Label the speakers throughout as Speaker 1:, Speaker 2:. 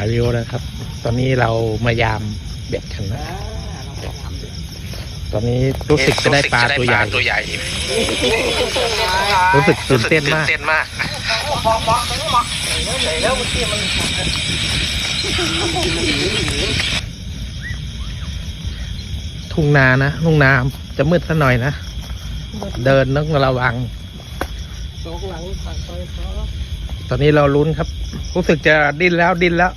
Speaker 1: ายวิวนะครับ ตอนนี้เรามายามเบ็ดกันนะตอนนี้รู้สึกจะได้ปลาตัวใหญ่รู้สึกตื่นเต้นมากทุ่งนานะทุ่งนาจะมืดซะหน่อยนะเดินต้องระวังตอนนี้เราลุ้นครับรู้สึกจะดิ้นแล้ว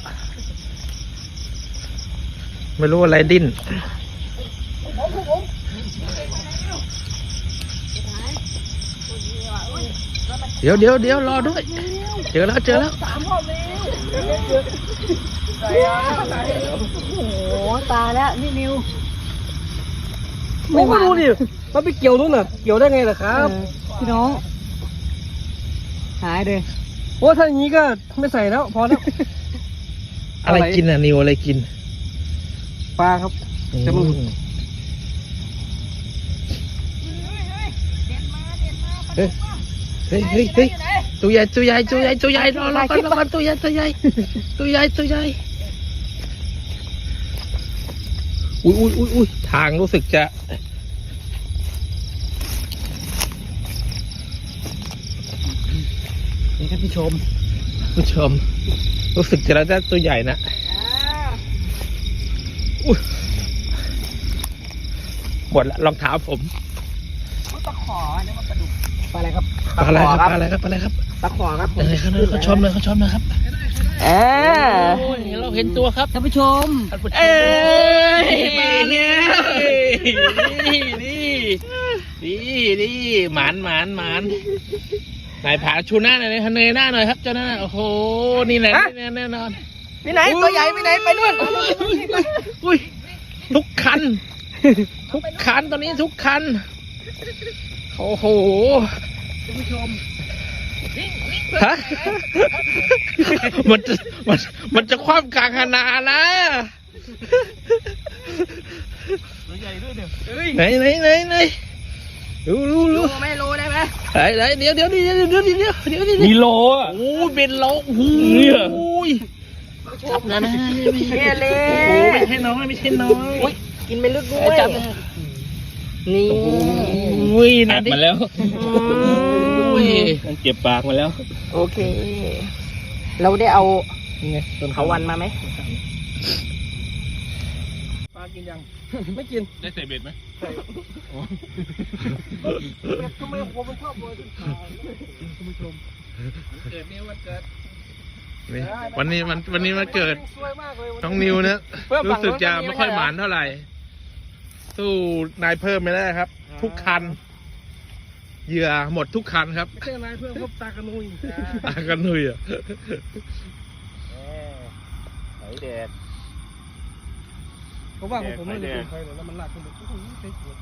Speaker 1: ไม่รู้อะไรดิ้นเดี๋ยวรอด้วยเจอแล้ว
Speaker 2: โอ้โหตายแล้วนี่นิว
Speaker 3: ไม่รู้ดิมันไปเกี่ยวนู่นน่ะเกี่ยวได้ไงล่ะครับ
Speaker 2: พี่น้องหายเลย
Speaker 3: โอ้ถ้าอย่างนี้ก็ไม่ใส่แล้วพอแล้ว
Speaker 1: อะไรกินอ่ะนิวอะไรกิน
Speaker 3: ปลาครับจะมึง
Speaker 1: เฮ้ยตัวใหญ่รอกันตัวใหญ่อุ้ยทางรู้สึกจะ
Speaker 3: นี่ครับผู้ชม
Speaker 1: รู้สึกจะได้ตัวใหญ่นะหมดละรองเท้าผม
Speaker 2: ตะขอเนี่ยมันปลาดุก
Speaker 3: ปลาอะไรครับ
Speaker 1: ปลาอะไรครับ
Speaker 3: ตะขอครับ
Speaker 1: เขาชมเลยครับเราเห็นตัวครับ
Speaker 2: ท่านผู้ชม
Speaker 1: นี่หมานนายผาชูหน้าหน่อยเนยหน้าหน่อยครับเจ้าหน้าโอ้โหนี่แหละแน่นอน
Speaker 3: พี่ไหนตัวใหญ่พี่ไหนไปนู่น
Speaker 1: อุ้ยทุกคันตอนนี้ทุกคันโอ้โห
Speaker 3: ท่านผู้ชม
Speaker 1: ฮะมันจะคว่ำกลางคณานะ
Speaker 3: ตัวใหญ่ด้วยเนี่ย
Speaker 1: ไหนรู้
Speaker 3: ไม่โลได้ไหม
Speaker 1: ไหนเดี๋ยว
Speaker 3: มีโลอ่ะ
Speaker 1: โอ้เป็นโลโอ้โหจับนะ
Speaker 3: เนี่ยเลย
Speaker 1: โอ้ไม่ใช่น้อย
Speaker 3: กินไม่ลึกด้วยจับนี่
Speaker 1: อุ้ยนะ
Speaker 4: ปากมาแล้ว
Speaker 1: อุ้ย
Speaker 4: เก็บปากมาแล้ว
Speaker 3: โอเค เราได้เอาเขาวันมาไหมปลากินยัง ไม่กิน
Speaker 4: ได้ใส่เบ็ดไหม
Speaker 3: ทำไมผมมันชอบโรยขึ้นขาคุณผู้ชมเกิดนี่วันเกิด
Speaker 1: วันนี้มันเกิด
Speaker 3: สวยมากเลย
Speaker 1: น้องนิวเนี่ยรู้สึกจะไม่ค่อยหมานเท่าไหร่สู้นายเพิ่มไม่ได้ครับ ทุกคันเหยื่อหมดทุกคันครับ
Speaker 3: ไม่ใช่นายเพิ่มพบตากระนุย
Speaker 1: ตากันนุยอ่ะ
Speaker 4: ไหนแดด
Speaker 3: เพราะว่าผมไม่ได้ใครเลยแล้วมันลากขึ้นไปโอ้โหเต็มหัว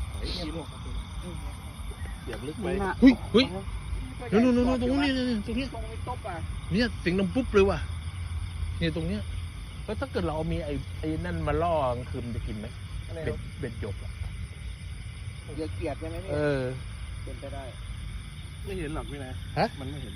Speaker 4: เดี๋ยวลึกไป
Speaker 1: เฮ้ยนู่นตรงนี้ตรงนี้
Speaker 3: ตรงนี้ตบอ่ะ
Speaker 1: เนี่ยเสียงดังปุ๊บเลยว่ะเนี่ยตรงเนี้ยแล้วถ้าเกิดเราเอามีไอ้นั่นมาล่อกลางคืนจะกินไหมเบ็ดหยกอ่ะ
Speaker 3: เยอะเกียดใช่ไหมพี่เป็นไปได้ไม่เห็นหรอกพี่นะมันไม่เห็น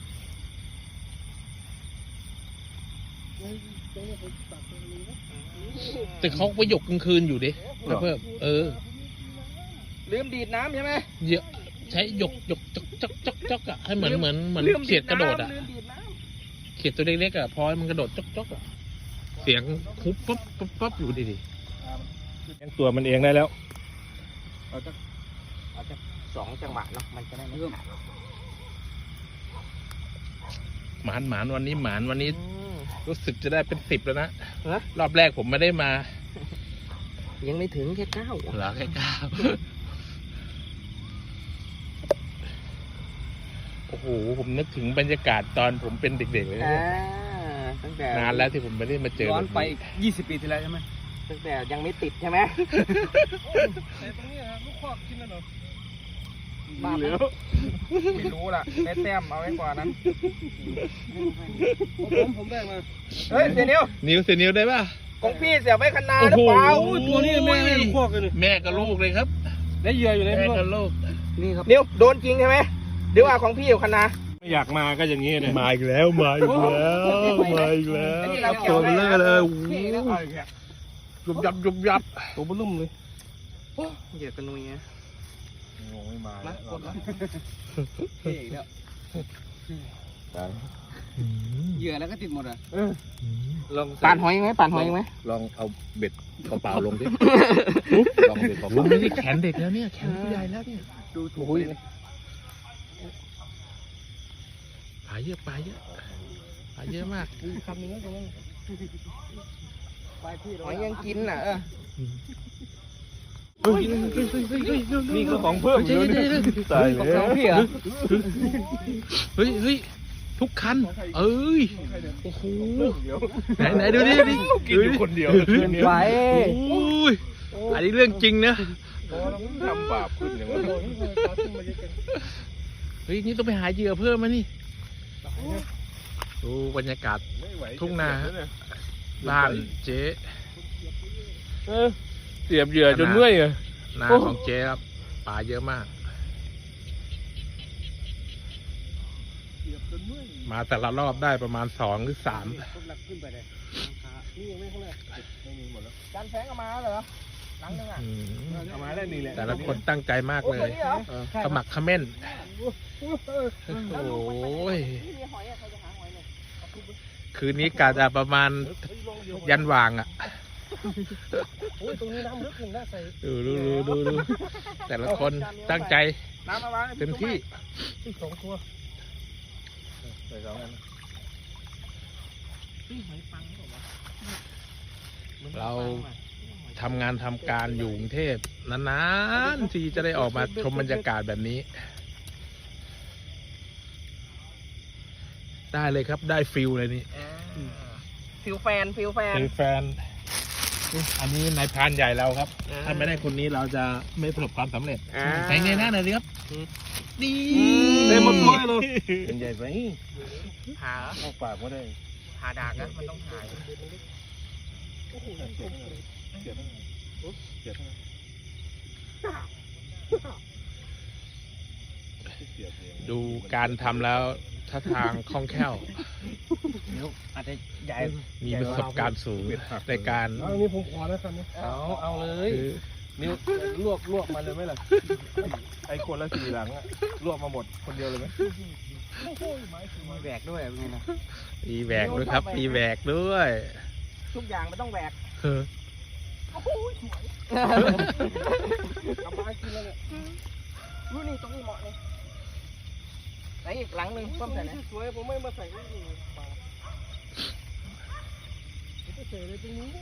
Speaker 1: แต่เขาไปหยกกลางคืนอยู่ดิเพิ่ม
Speaker 3: ลืมดีดน้ำใช่ไหม
Speaker 1: เยอะใช้หยกจ๊อกอ่ะให้เหมือนเขียดกระโดดอ่ะเขียดตัวเล็กๆอ่ะพอให้มันกระโดดจ๊อกอ่ะเสียงคุบปั๊บอยู่ดิ
Speaker 4: ตัวมันเองได้แล้ว
Speaker 3: เอาจะ2 จังหวะเนาะมันจะได้ไม่ขาด
Speaker 1: หมานวันนี้รู้สึกจะได้เป็น10แล้วนะรอบแรกผมไม่ได้มา
Speaker 3: ยังไม่ถึงแค่9
Speaker 1: เหรอแค่9โอ้โหผมนึกถึงบรรยากาศตอนผมเป็นเด็กๆเลย
Speaker 3: ตั้งแต่
Speaker 1: นานแล้วที่ผมไม่ได้มาเจอ
Speaker 3: ย้อนไป20 ปีที่แล้วใช่ไหมตั้งแต่ยังไม่ติดใช่ไหมแต่ตรงนี้ลูกคอกกินแล้วเหรอบ้าแล้วไม่รู้ล่ะได้แต้มเอาไว้กว่านั้นผมได้มาเฮ้ยเสีย
Speaker 1: นิวได้ป่ะ
Speaker 3: ของพี่เสียไว้ขนาดหรือเปล่าตัวนี้แม่ลูกคอกเลย
Speaker 1: แม่กับลูกเลยครับ
Speaker 3: ได้เหยื่ออยู่ใน
Speaker 1: แม่กับลูก
Speaker 3: นี่ครับนิวโดนจริงใช่ไหมหรือว่าของพี่อยู่ขนาด
Speaker 4: ไม่อยากมาก็อย่างนี้เลย
Speaker 1: มาอีกแล้วมาอีกแล้วมาอีกแล้วตัวเบลอเลยโอ้โหยุบยับยุบยับ
Speaker 4: ตัวมันลุ่มเลย
Speaker 3: เหยียดกันนุยไง
Speaker 4: งงไม่มา
Speaker 3: มา
Speaker 4: แล้ว
Speaker 3: กดละเท่อีกแล้ว
Speaker 2: เหยื่อแล้วก็ติดหมดอ่ะ
Speaker 4: ลอง
Speaker 3: ป่านหอยไหมป่านหอยไหม
Speaker 4: ลองเอาเบ็ดเปล่าๆลงดิลองเบ็ดเป
Speaker 1: โอ้
Speaker 4: ล่า
Speaker 1: โหไม่ได้แขนเด็กแล้วเนี่ยแขนผู้ใหญ่แล้วเนี่ย
Speaker 3: ดูถูก
Speaker 1: ปลาเยอะปลาเยอะปลาเยอะมาก
Speaker 3: คำนี้ตรงนั้นหอยยังกินน่ะ
Speaker 4: ๆนี่ก็ของเพิ่มเยอะเลยตายแล้ว
Speaker 3: พี่เหรอ
Speaker 1: เฮ้ยเฮ้ยทุกคัน เอ้ยโอ้โหไหนดูดิดิ
Speaker 4: กินอยู่คนเดียว
Speaker 3: ไหว
Speaker 1: โอ้ยอันนี้เรื่องจริงนะ
Speaker 4: ทำบาปขึ้นอย่างนี้
Speaker 1: เฮ้ยนี่ต้องไปหาเหยื่อเพิ่มมานี่ดูบรรยากาศทุ่งนาบ้านเจ๊
Speaker 4: เสียบเหยื่อจนเมื่อยอ่ะ
Speaker 1: นาของเจ๊ครับปลาเยอะมาก มาแต่ละรอบได้ประมาณ2 หรือ 3
Speaker 3: การแฝงเอามาเหรอหลังนึงอ่ะ
Speaker 1: อืม
Speaker 4: เอามาแล้วนี่แหละ
Speaker 1: แต่ละคนตั้งใจมากเลย ขมักเขม้นโอ้ย
Speaker 3: มีหอยอ่ะใครจะหาหอยเลย
Speaker 1: คืนนี้กะจะประมาณยันวางอ่ะ
Speaker 3: โอ้ยตรงนี้น้ำลึกถึงได้ใส่
Speaker 1: ดูแต่ละคนตั้งใจ
Speaker 3: น้ำมาวาง
Speaker 1: เต็มที่
Speaker 3: 2 ตัว
Speaker 4: ใส่สองอัน
Speaker 3: หอยปังหรือเปล่าวะ
Speaker 1: เราทำงานทำการอยู่กรุงเทพนานๆที่จะได้ออกมาชมบรรยากาศแบบนี้ ได้เลยครับได้ฟิลเลยนี่
Speaker 3: ฟิลแฟนฟิลแฟน
Speaker 1: เป็นแฟน อันนี้นายพรานใหญ่เราครับ ถ้าไม่ได้คนนี้เราจะไม่ประสบความสำเร็จใส่เงยหน้าหน่อยดิครับดี
Speaker 4: เต็มหมดตัวเลยเป็นใหญ่ไป
Speaker 3: หา
Speaker 4: เข้าปากไม่ได้
Speaker 3: หาดากนะมันต้องหาย
Speaker 1: ดูการทำแล้วท่าทางคล่องแคล่ว
Speaker 3: อาจจะใหญ่
Speaker 1: มีประสบการณ์สูงในการ
Speaker 4: อันนี้ผมขอแล้วครับเนี่ยเอาเลย
Speaker 1: คือ
Speaker 4: นิ้วลวกมาเลยไหมล่ะไอ้คนละ4 หลังอะลวกมาหมดคนเดียวเลยไหม
Speaker 3: มีแหวกด้วยเป็นไงนะ
Speaker 1: มีแหวกด้วยครับมีแหวกด้วย
Speaker 3: ทุกอย่างมันต้องแหวก
Speaker 1: เออก
Speaker 3: ลับมากินแล้วเนี่ยรู้นี่ตรงนี้เหมาะเลยไหนอีกหลังหนึ่งต้มใส่ไหนสวยผมไม่มาใส่ไว้นี่ปลาจะใส่เลยตรงนี้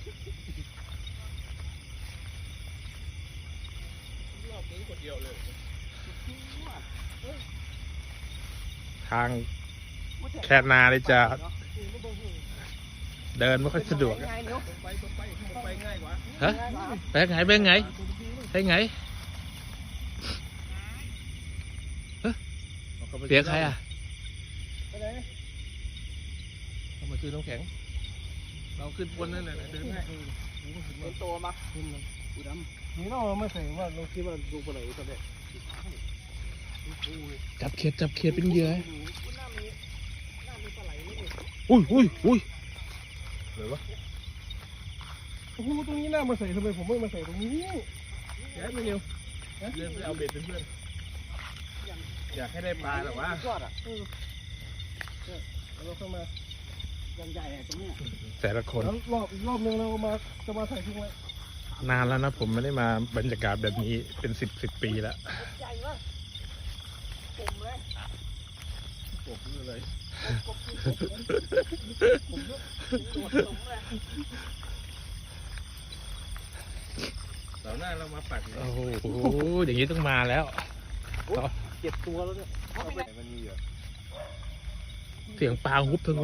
Speaker 1: ทางแค่นาเลยจะเดินไม่ค่อยสะดวกอะ
Speaker 3: ไปง่ายกว่า
Speaker 1: ฮะไปไงไปไงไปไงฮะเสียใครอ่ะ
Speaker 3: ไปไหน
Speaker 4: เอามาซื้อน้ำแข็งเราขึ้นบนนั่นแหละเดินง่าย
Speaker 3: เป็นตัวมา
Speaker 4: นี่เราไม่ใส่ว่าเราคิดว่าดูไปไหนตอนนี้
Speaker 1: จับเขียดเป็นเหยื่ออุ้ย
Speaker 4: หรือวะโอ้โหตรงนี้น่ามาใส่ทำไมผมไม่มาใส่ตรงนี้ย้ายไปเร็วเดินไปเอาเบ็ดเป็นเพื่อนอยากให้ได้ปลาหรอวะ
Speaker 3: ยอดอ่ะ
Speaker 4: เราเข้ามา
Speaker 3: ยังใหญ่อะตรงนี้
Speaker 1: แต่ละคน
Speaker 4: แล้วรอบนึงเรามาจะมาใส่ทิ้งไว้
Speaker 1: นานแล้วนะผมไม่ได้มาบรรยากาศแบบนี้เป็น10 ปีแล้ว
Speaker 3: ใหญ่มากปุ่มเลย
Speaker 4: โอ้โหเลย
Speaker 3: ปุ่มเลย
Speaker 4: เสาร์หน้าเรามาปัก
Speaker 1: โอ้โหอย่างนี้ต้องมาแล้ว
Speaker 3: 7 ตัวแล้วเนี่ย
Speaker 4: มันมีเหรอ
Speaker 1: เสียงปลาฮุบทั้ง